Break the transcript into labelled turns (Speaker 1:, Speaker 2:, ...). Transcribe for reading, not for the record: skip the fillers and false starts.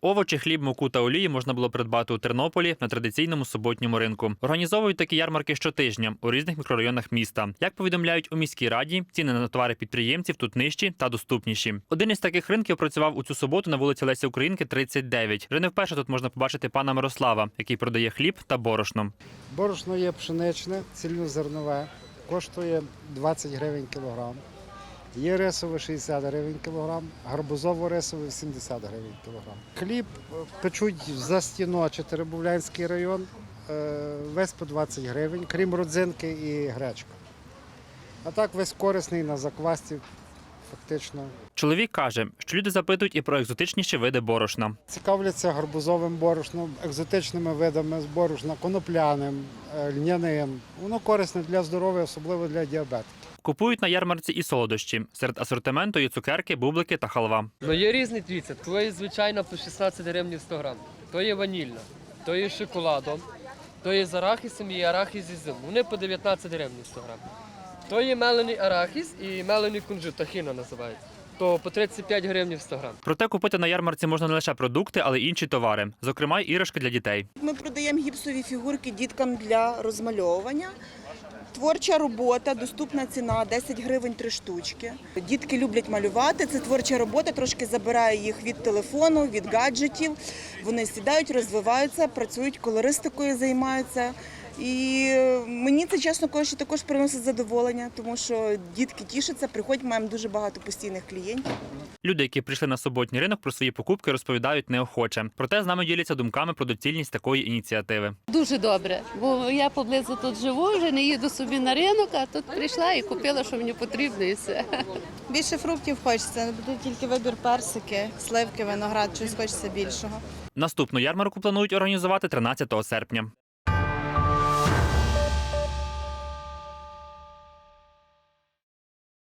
Speaker 1: Овочі, хліб, муку та олії можна було придбати у Тернополі на традиційному суботньому ринку. Організовують такі ярмарки щотижня у різних мікрорайонах міста. Як повідомляють у міській раді, ціни на товари підприємців тут нижчі та доступніші. Один із таких ринків працював у цю суботу на вулиці Лесі Українки, 39. Вже не вперше тут можна побачити пана Мирослава, який продає хліб та борошно.
Speaker 2: Борошно є пшеничне, цільнозернове, коштує 20 гривень кілограм. Є рисове 60 гривень кілограм, гарбузово-рисове 70 гривень кілограм. Хліб печуть за стіно Теребовлянський район, весь по 20 гривень, крім родзинки і гречка. А так весь корисний на заквасці фактично.
Speaker 1: Чоловік каже, що люди запитують і про екзотичніші види борошна.
Speaker 2: Цікавляться гарбузовим борошном, екзотичними видами з борошна, конопляним, льняним. Воно корисне для здоров'я, особливо для діабетиків.
Speaker 1: Купують на ярмарці і солодощі. Серед асортименту є цукерки, бублики та халва.
Speaker 3: Ну є різні, дивіться, то є звичайно по 16 гривень 100 грам, то є ванільна, то є з шоколадом, то є з арахісом і арахіс із ізюмом. Вони по 19 гривень 100 грам. То є мелений арахіс і мелений кунжут, тахіна називається. То по 35 гривень 100 грам.
Speaker 1: Проте купити на ярмарці можна не лише продукти, але й інші товари. Зокрема, й іграшки для дітей.
Speaker 4: Ми продаємо гіпсові фігурки діткам для розмальовування. Творча робота, доступна ціна 10 гривень 3 штучки. Дітки люблять малювати, це творча робота, трошки забирає їх від телефону, від гаджетів. Вони сідають, розвиваються, працюють, колористикою займаються. І мені це, чесно кажучи, також приносить задоволення, тому що дітки тішаться, приходять, маємо дуже багато постійних клієнтів.
Speaker 1: Люди, які прийшли на суботній ринок, про свої покупки розповідають неохоче. Проте з нами діляться думками про доцільність такої ініціативи.
Speaker 5: Дуже добре, бо я поблизу тут живу, вже не їду собі на ринок, а тут прийшла і купила, що мені потрібно, і все.
Speaker 6: Більше фруктів хочеться, тут тільки вибір персики, сливки, виноград, щось хочеться більшого.
Speaker 1: Наступну ярмарку планують організувати 13 серпня.